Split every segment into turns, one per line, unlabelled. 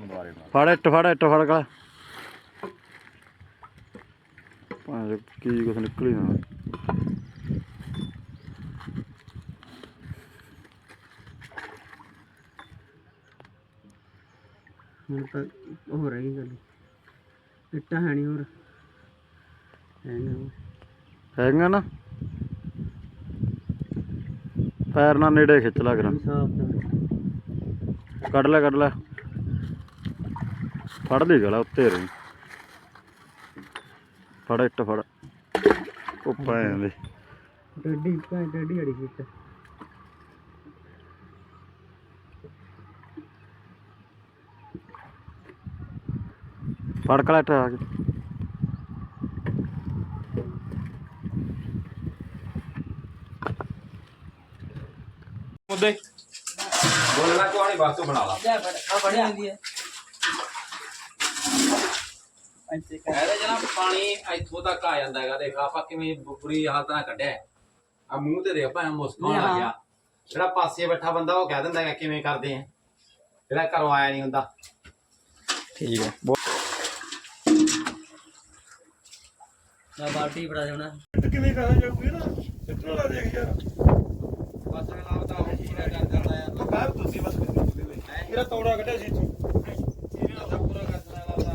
ਹੁਣ ਦੁਬਾਰੇ
ਫੜ ਇੱਟ ਫੜ ਕਾ ਕੀ ਕੁਛ ਨਿਕਲੀ ਨਾ
ਹੁਣ ਤਾਂ ਹੋ ਰਹੀ ਗੱਲ ਇੱਟਾਂ ਹੈ ਨਹੀਂ ਹੋਰ
ਹੈਗਾ ਨਾ ਪੈਰ ਨਾਲ ਨੇੜੇ ਖਿੱਚ ਲਾ ਕਰਾਂ ਕੱਢ ਲੈ ਫੜ ਲਈ ਗਲਾ ਉੱਤੇ ਰਹੀ ਫੜ ਇੱਟ ਫੜ ਉੱਪਰ ਆਂਦੇ
ਡੱਡੀ ਅੜੀ ਸੀ
ਫੜ ਕਲਾ ਇੱਟ ਆ ਕੇ
ਮੁੱਦੇ ਬੋਲਣਾ ਕਿਉਂ ਨਹੀਂ ਬਸ ਤੂੰ ਬਣਾ ਲਾ
ਬੜੀ ਆਉਂਦੀ ਹੈ
ਇਹਦੇ ਜਨਾਬ ਪਾਣੀ ਇੱਥੋਂ ਤੱਕ ਆ ਜਾਂਦਾ ਹੈਗਾ ਦੇਖ ਆਪਾਂ ਕਿਵੇਂ ਬੁਰੀ ਹਾਲਤ ਨਾਲ ਕੱਢਿਆ ਆ ਮੂੰਹ ਤੇ ਦੇਖ ਭਾਵੇਂ ਮੁਸਕਾਉਣ ਲੱਗ ਗਿਆ ਜਿਹੜਾ ਪਾਸੇ ਬੈਠਾ ਬੰਦਾ ਉਹ ਕਹਿ ਦਿੰਦਾ ਹੈਗਾ ਕਿਵੇਂ ਕਰਦੇ ਆ ਜਿਹੜਾ ਘਰੋਂ ਆਇਆ ਨਹੀਂ ਹੁੰਦਾ
ਠੀਕ ਹੈ
ਬਾਲਟੀ ਬੜਾ ਜਾਣਾ
ਕਿਵੇਂ ਕਹਾਂ ਜਾਊਗੀ ਨਾ ਸਿੱਟਣ ਲਾ ਦੇਖ ਯਾਰ
ਬਸ ਅਗਲਾ ਤਾਂ ਉਹ ਪੂਰਾ ਕਰ ਦਿੰਦਾ ਯਾਰ
ਲਗਾ ਤੁਸੀਂ ਬਸ ਮੇਰਾ ਤੌੜਾ ਕੱਢਿਆ ਸੀ ਇੱਥੋਂ
ਪੂਰਾ ਕਰ ਦਿੰਦਾ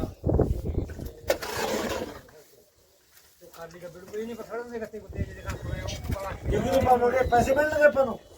ਜਿਵੇਂ ਪਾਵਾਂਗੇ ਪੈਸੇ ਮਿਲਣਗੇ ਆਪਾਂ ਨੂੰ